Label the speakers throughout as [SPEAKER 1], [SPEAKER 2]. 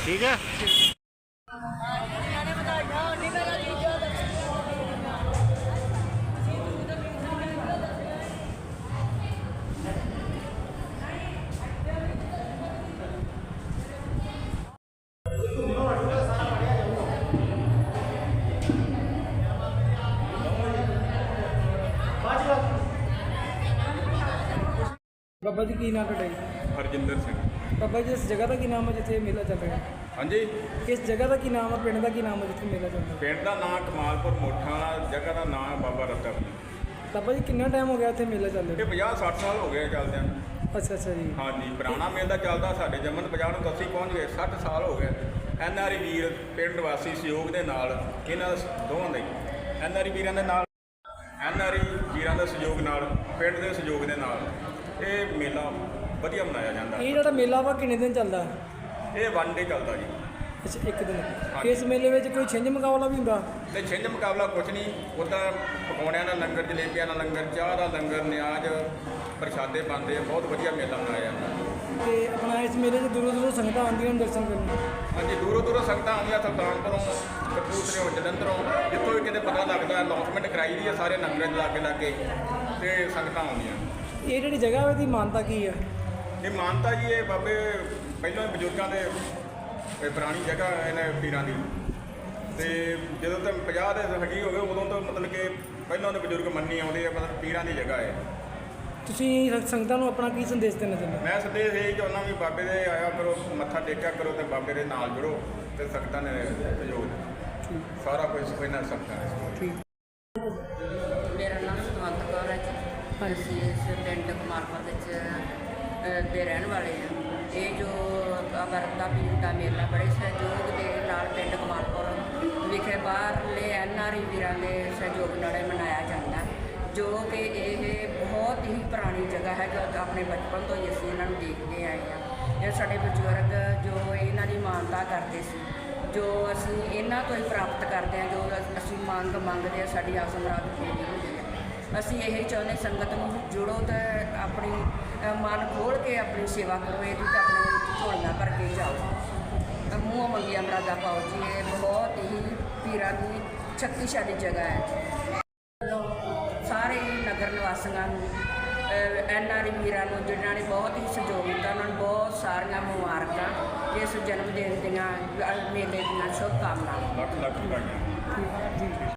[SPEAKER 1] ठीक है।
[SPEAKER 2] बाबा जी की नाम है?
[SPEAKER 3] हरजिंदर सिंह।
[SPEAKER 2] बाबा जी इस जगह का की नाम है जिथे मेला चल रहा है?
[SPEAKER 3] हाँ जी,
[SPEAKER 2] इस जगह का की नाम है, पिंड का की नाम है जिथे मेला चल रहा है?
[SPEAKER 3] पिंड का नाम कमालपुर मोठा वाला, जगह का नाम है बाबा रतन।
[SPEAKER 2] बाबा जी कितना टाइम हो गया इतने मेला चल
[SPEAKER 3] ये
[SPEAKER 2] रहा
[SPEAKER 3] 50-60 साल हो गए चलदे।
[SPEAKER 2] अच्छा जी।
[SPEAKER 3] हाँ जी, पुराना मेला चलता साढ़े जमन 50 ਨੂੰ 80 पहुँच गए, 60 साल हो गए। NRI ਵੀਰ ਪਿੰਡ ਵਾਸੀ ਸਹਿਯੋਗ ਦੇ ਨਾਲ ਇਹਨਾਂ ਦੋਵਾਂ ਦੇ NRI ਵੀਰਾਂ ਦੇ ਨਾਲ NRI ਵੀਰਾਂ ਦੇ ਸਹਿਯੋਗ ਨਾਲ ਪਿੰਡ ਦੇ ਸਹਿਯੋਗ ਦੇ ਨਾਲ ਇਹ ਮੇਲਾ ਵਧੀਆ ਮਨਾਇਆ ਜਾਂਦਾ।
[SPEAKER 2] ਇਹ ਜਿਹੜਾ ਮੇਲਾ ਵਾ ਕਿੰਨੇ ਦਿਨ ਚੱਲਦਾ?
[SPEAKER 3] ਇਹ ਵਨ ਡੇ ਚੱਲਦਾ ਜੀ।
[SPEAKER 2] ਅੱਛਾ ਇੱਕ ਦਿਨ। ਇਸ ਮੇਲੇ ਵਿੱਚ ਕੋਈ ਛਿੰਝ ਮੁਕਾਬਲਾ ਵੀ ਹੁੰਦਾ?
[SPEAKER 3] ਤੇ ਛਿੰਝ ਮੁਕਾਬਲਾ ਕੁਛ ਨਹੀਂ, ਉੱਦਾਂ ਪਕੌੜਿਆਂ ਦਾ ਲੰਗਰ, ਜਲੇਬੀਆਂ ਦਾ ਲੰਗਰ, ਚਾਹ ਦਾ ਲੰਗਰ, ਨਿਆਜ਼ ਪ੍ਰਸ਼ਾਦੇ ਬਣਦੇ ਆ। ਬਹੁਤ ਵਧੀਆ ਮੇਲਾ ਮਨਾਇਆ ਜਾਂਦਾ।
[SPEAKER 2] ਤੇ ਆਪਣਾ ਇਸ ਮੇਲੇ 'ਚ ਦੂਰੋਂ ਦੂਰੋਂ ਸੰਗਤਾਂ ਆਉਂਦੀਆਂ ਹਨ ਦਰਸ਼ਨ ਕਰਨ।
[SPEAKER 3] ਹਾਂਜੀ, ਦੂਰੋਂ ਦੂਰੋਂ ਸੰਗਤਾਂ ਆਉਂਦੀਆਂ, ਸੁਲਤਾਨਪੁਰੋਂ, ਕਪੂਰਥਲਿਓਂ, ਜਲੰਧਰੋਂ, ਜਿੱਥੋਂ ਵੀ ਕਿਤੇ ਪਤਾ ਲੱਗਦਾ ਅਨਾਉਂਸਮੈਂਟ ਕਰਾਈ ਦੀ ਹੈ ਸਾਰੇ ਲੰਗਰਾਂ ਦੇ ਲਾਗੇ ਲਾਗੇ ਤੇ ਸੰਗਤਾਂ ਆਉਂਦੀਆਂ।
[SPEAKER 2] ਇਹ ਜਿਹੜੀ ਜਗ੍ਹਾ ਇਹਦੀ ਮਾਨਤਾ ਕੀ ਹੈ?
[SPEAKER 3] ਇਹ ਮਾਨਤਾ ਜੀ, ਇਹ ਬਾਬੇ ਪਹਿਲਾਂ ਬਜ਼ੁਰਗਾਂ ਦੇ ਇਹ ਪੁਰਾਣੀ ਜਗ੍ਹਾ ਇਹਨਾਂ ਪੀਰਾਂ ਦੀ, ਤੇ ਜਦੋਂ ਤੱਕ 50 ਦੇ ਹੱਗੀ ਹੋ ਗਏ ਉਦੋਂ ਤੋਂ ਮਤਲਬ ਕਿ ਪਹਿਲਾਂ ਦੇ ਬਜ਼ੁਰਗ ਮੰਨੀ ਆਉਂਦੇ ਆ, ਮਤਲਬ ਪੀਰਾਂ ਦੀ ਜਗ੍ਹਾ ਹੈ।
[SPEAKER 2] ਤੁਸੀਂ ਸੰਗਤਾਂ ਨੂੰ ਆਪਣਾ ਕੀ ਸੰਦੇਸ਼ ਦੇਣਾ ਚਾਹੁੰਦੇ?
[SPEAKER 3] ਮੈਂ ਸੰਦੇਸ਼ ਇਹ ਚਾਹੁੰਦਾ ਵੀ ਬਾਬੇ ਦੇ ਆਇਆ ਕਰੋ, ਮੱਥਾ ਟੇਕਿਆ ਕਰੋ ਤੇ ਬਾਬੇ ਦੇ ਨਾਲ ਜੁੜੋ ਤੇ ਸੰਗਤਾਂ ਨੇ ਸਹਿਯੋਗ ਦਿੱਤਾ। ਸਾਰਾ ਕੁਝ ਇਹਨਾਂ ਸੰਗਤਾਂ ਨੇ।
[SPEAKER 2] ਠੀਕ।
[SPEAKER 4] ਮੇਰਾ ਨਾਮ ਸੁਖਵੰਤ ਕੌਰ ਹੈ ਜੀ। ਅਸੀਂ ਇਸ ਪਿੰਡ ਕਮਾਲਪੁਰ ਵਿੱਚ ਦੇ ਰਹਿਣ ਵਾਲੇ ਹਾਂ। ਇਹ ਜੋ ਵਰਤਾ ਪੀਰ ਦਾ ਮੇਲਾ ਬੜੇ ਸਹਿਯੋਗ ਦੇ ਨਾਲ ਪਿੰਡ ਕਮਾਲਪੁਰ ਵਿਖੇ ਬਾਹਰਲੇ NRI ਵੀਰਾਂ ਦੇ ਸਹਿਯੋਗ ਨਾਲ ਮਨਾਇਆ ਜਾਂਦਾ, ਜੋ ਕਿ ਇਹ ਬਹੁਤ ਹੀ ਪੁਰਾਣੀ ਜਗ੍ਹਾ ਹੈ। ਜੋ ਆਪਣੇ ਬਚਪਨ ਤੋਂ ਹੀ ਅਸੀਂ ਇਹਨਾਂ ਨੂੰ ਦੇਖਦੇ ਆਏ ਹਾਂ। ਇਹ ਸਾਡੇ ਬਜ਼ੁਰਗ ਜੋ ਇਹਨਾਂ ਦੀ ਮਾਨਤਾ ਕਰਦੇ ਸੀ, ਜੋ ਅਸੀਂ ਇਹਨਾਂ ਤੋਂ ਹੀ ਪ੍ਰਾਪਤ ਕਰਦੇ ਹਾਂ। ਜੋ ਅਸੀਂ ਮੰਗਦੇ ਹਾਂ, ਸਾਡੀ ਆਸ ਮੁਰਾਦ ਪੂਰੀ ਹੁੰਦੀ ਹੈ। ਅਸੀਂ ਇਹ ਚਾਹੁੰਦੇ ਸੰਗਤ ਨੂੰ ਜੁੜੋ ਤੇ ਆਪਣੀ ਮਨ ਖੋਲ੍ਹ ਕੇ ਆਪਣੀ ਸੇਵਾ ਕਰੋ। ਇਹਦੀ ਤਾਂ ਆਪਣੇ ਵਿੱਚ ਝੋਲੀਆਂ ਭਰ ਕੇ ਜਾਓ, ਮੂੰਹ ਮੰਗੀਆਂ ਮੁਰਾਦਾਂ ਪਾਓ ਜੀ। ਇਹ ਬਹੁਤ ਹੀ ਪੀਰਾਂ ਦੀ ਸ਼ਕਤੀਸ਼ਾਲੀ ਜਗ੍ਹਾ ਹੈ। ਸਾਰੇ ਨਗਰ ਨਿਵਾਸੀਆਂ ਨੂੰ, NRI ਵੀਰਾਂ ਨੂੰ ਜਿਨ੍ਹਾਂ ਨੇ ਬਹੁਤ ਹੀ ਸਹਿਯੋਗ ਦਿੱਤਾ, ਉਹਨਾਂ ਨੂੰ ਬਹੁਤ ਸਾਰੀਆਂ ਮੁਬਾਰਕਾਂ। ਇਸ ਜਨਮ ਦਿਨ ਦੀਆਂ ਮੇਲੇ ਦੀਆਂ ਸ਼ੁਭਕਾਮਨਾਵਾਂ।
[SPEAKER 3] ਲੱਖ ਲੱਖ ਵਧਾਈਆਂ।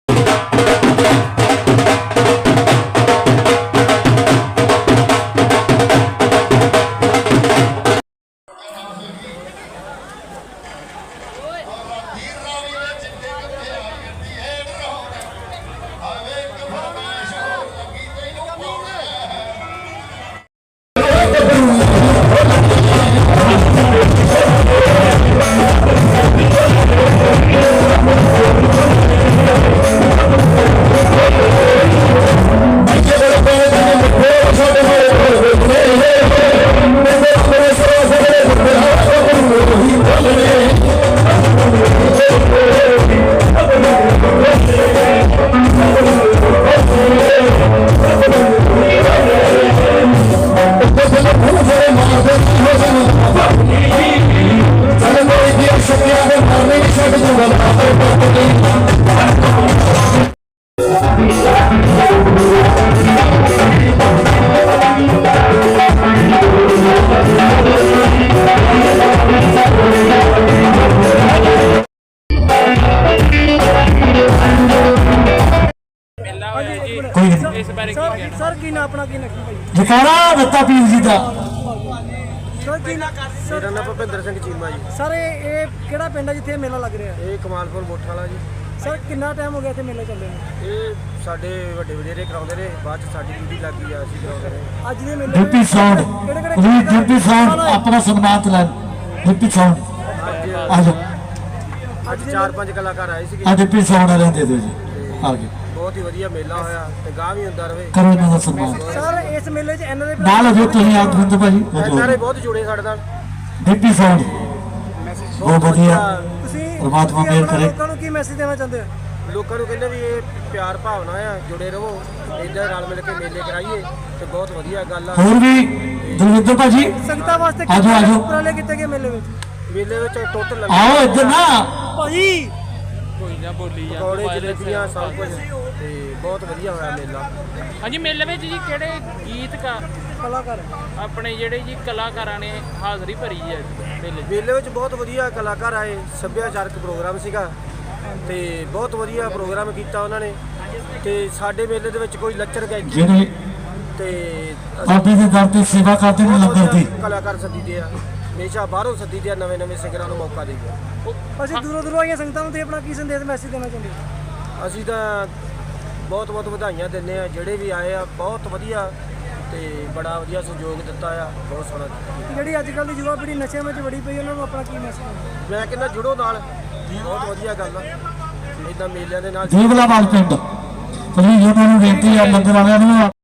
[SPEAKER 2] ਸਰ ਕੀ ਨਾ ਆਪਣਾ ਕੀ ਨਕੀ ਭਾਈ?
[SPEAKER 5] ਜਕਾਰਾ ਦਿੱਤਾ ਪੀਰ ਜੀ ਦਾ।
[SPEAKER 2] ਸਰ ਕੀ ਨਾ?
[SPEAKER 6] ਮੇਰਾ ਨਾਮ ਭੁਪਿੰਦਰ ਸਿੰਘ ਚੀਮਾ ਜੀ।
[SPEAKER 2] ਸਰ ਇਹ ਕਿਹੜਾ ਪਿੰਡ ਹੈ ਜਿੱਥੇ ਮੇਲਾ ਲੱਗ ਰਿਹਾ?
[SPEAKER 6] ਇਹ ਕਮਾਲਪੁਰ ਮੋਠਾ ਵਾਲਾ ਜੀ।
[SPEAKER 2] ਸਰ ਕਿੰਨਾ ਟਾਈਮ ਹੋ ਗਿਆ ਇੱਥੇ ਮੇਲਾ ਚੱਲਦੇ ਨੂੰ?
[SPEAKER 6] ਇਹ ਸਾਡੇ ਵੱਡੇ ਵਡੇਰੇ ਕਰਾਉਂਦੇ ਰਹੇ, ਬਾਅਦ ਚ ਸਾਡੀ ਡਿਊਟੀ ਲੱਗ ਗਈ ਆ, ਅਸੀਂ ਕਰਾਉਂਦੇ ਰਹੇ।
[SPEAKER 2] ਅੱਜ ਦੇ ਮੇਲੇ
[SPEAKER 5] ਡਿਪਟੀ ਸਾਊਂਡ ਜੀ, ਡਿਪਟੀ ਸਾਊਂਡ ਆਪਣਾ ਸਨਮਾਨਿਤ ਲੈ। ਡਿਪਟੀ ਸਾਊਂਡ ਆ ਜਾਓ।
[SPEAKER 6] ਅੱਜ 4-5 ਕਲਾਕਾਰ ਆਏ ਸੀਗੇ।
[SPEAKER 5] ਆ ਡਿਪਟੀ ਸਾਊਂਡ ਵਾਲਿਆਂ ਦੇ ਦਿਓ ਜੀ। ਆ ਗਏ।
[SPEAKER 6] ਬਹੁਤ ਹੀ ਵਧੀਆ ਮੇਲਾ ਹੋਇਆ ਤੇ ਗਾਹ ਵੀ ਹੁੰਦਾ ਰਹੇ।
[SPEAKER 5] ਕਰੋ ਇਹਨਾਂ ਦਾ ਸਨਮਾਨ।
[SPEAKER 2] ਸਰ ਇਸ ਮੇਲੇ 'ਚ NRI
[SPEAKER 5] ਨਾਲ ਹੋ ਜਾਓ ਤੁਸੀਂ ਆਦਮਿੰਦ ਭਾਜੀ।
[SPEAKER 6] ਸਾਰੇ ਬਹੁਤ ਜੁੜੇ ਸਾਡੇ ਨਾਲ।
[SPEAKER 5] ਡਿਪਟੀ ਸਾਊਂਡ ਬਹੁਤ ਵਧੀਆ।
[SPEAKER 2] ਤੁਸੀਂ
[SPEAKER 5] ਪਰਮਾਤਮਾ ਮਿਹਰ ਕਰੇ।
[SPEAKER 2] ਲੋਕਾਂ ਨੂੰ ਕੀ ਮੈਸੇਜ ਦੇਣਾ ਚਾਹੁੰਦੇ ਹੋ?
[SPEAKER 6] ਲੋਕਾਂ ਨੂੰ ਕਹਿੰਦੇ ਵੀ ਇਹ ਪਿਆਰ ਭਾਵਨਾ ਆ, ਜੁੜੇ ਰਹੋ, ਇੱਦਾਂ ਰਲ ਮਿਲ ਕੇ ਮੇਲੇ ਕਰਾਈਏ ਤੇ ਬਹੁਤ ਵਧੀਆ ਗੱਲ ਆ।
[SPEAKER 5] ਹੋਰ ਵੀ ਦਲਵਿੰਦਰ ਭਾਜੀ
[SPEAKER 2] ਸੰਗਤਾਂ ਵਾਸਤੇ
[SPEAKER 5] ਆਜੋ ਆਜੋ।
[SPEAKER 2] ਉਪਰਾਲੇ ਕੀਤੇ ਗਏ ਮੇਲੇ ਵਿੱਚ
[SPEAKER 6] ਮੇਲੇ ਵਿੱਚ ਟੋਟਲ
[SPEAKER 5] ਆਓ ਇੱਧਰ ਨਾ
[SPEAKER 2] ਭਾਜੀ
[SPEAKER 1] ਕੋਈ ਨਾ ਬੋਲੀ ਜਾ
[SPEAKER 6] ਪਕੌੜੇ ਜਲੇਬੀਆਂ ਸਭ ਕੁਝ ਤੇ ਬਹੁਤ ਵਧੀਆ ਹੋਇਆ ਮੇਲਾ।
[SPEAKER 1] ਹਾਂਜੀ ਮੇਲੇ ਵਿੱਚ ਜੀ ਕਿਹੜੇ ਗੀਤਕਾਰ
[SPEAKER 2] ਕਲਾਕਾਰ
[SPEAKER 1] ਆਪਣੇ ਜਿਹੜੇ ਜੀ ਕਲਾਕਾਰਾਂ ਨੇ ਹਾਜ਼ਰੀ ਭਰੀ ਹੈ ਮੇਲੇ 'ਚ?
[SPEAKER 6] ਮੇਲੇ ਵਿੱਚ ਬਹੁਤ ਵਧੀਆ ਕਲਾਕਾਰ ਆਏ, ਸੱਭਿਆਚਾਰਕ ਪ੍ਰੋਗਰਾਮ ਸੀਗਾ ਤੇ ਬਹੁਤ ਵਧੀਆ ਪ੍ਰੋਗਰਾਮ ਕੀਤਾ ਉਹਨਾਂ ਨੇ। ਤੇ ਸਾਡੇ ਮੇਲੇ ਦੇ ਵਿੱਚ ਕੋਈ ਲੱਚਰ ਗਾਇਕੀ
[SPEAKER 5] ਜਿਹੜੇ
[SPEAKER 6] ਤੇ
[SPEAKER 5] ਬਾਬੇ ਦੇ ਦਰ ਤੇ ਸੇਵਾ ਕਰਦੇ ਨੇ
[SPEAKER 6] ਬਹੁਤ
[SPEAKER 5] ਲੰਗਰ ਦੀ
[SPEAKER 6] ਵਧੀਆ ਕਲਾਕਾਰ ਸੱਦੀਦੇ ਆ, ਹਮੇਸ਼ਾ ਬਾਹਰੋਂ ਸੱਦੀਦੇ ਆ, ਨਵੇਂ ਸਿੰਗਰਾਂ ਨੂੰ ਮੌਕਾ ਦੇਈਏ।
[SPEAKER 2] ਅਸੀਂ ਦੂਰੋਂ ਦੂਰੋਂ ਆਈਆਂ ਸੰਗਤਾਂ ਨੂੰ ਤੇ ਆਪਣਾ ਕੀ ਸੰਦੇਸ਼ ਮੈਸੇਜ ਦੇਣਾ ਚਾਹੁੰਦੇ ਹੋ?
[SPEAKER 6] ਅਸੀਂ ਤਾਂ ਬਹੁਤ ਵਧਾਈਆਂ ਦਿੰਦੇ ਆ, ਜਿਹੜੇ ਵੀ ਆਏ ਆ ਬਹੁਤ ਵਧੀਆ ਤੇ ਬੜਾ ਵਧੀਆ ਸਹਿਯੋਗ ਦਿੱਤਾ ਆ, ਬਹੁਤ ਸੋਹਣਾ।
[SPEAKER 2] ਜਿਹੜੀ ਅੱਜ ਕੱਲ੍ਹ ਦੀ ਯੁਵਾ ਪੀੜ੍ਹੀ ਨਸ਼ਿਆਂ ਵਿੱਚ ਵੜੀ ਪਈ ਉਹਨਾਂ ਨੂੰ ਆਪਣਾ ਕੀ ਮੈਸੇਜ?
[SPEAKER 6] ਮੈਂ ਕਹਿੰਦਾ ਜੁੜੋ ਨਾਲ, ਬਹੁਤ ਵਧੀਆ ਗੱਲ ਆ ਇਦਾਂ ਮੇਲਿਆਂ ਦੇ ਨਾਲ।
[SPEAKER 5] ਜੀਵਲਾਵਾਲ ਪਿੰਡ ਪਲੀਜ਼ ਉਹਨਾਂ ਨੂੰ ਬੇਨਤੀ ਆ ਲੰਗਰ ਵਾਲਿਆਂ ਨੂੰ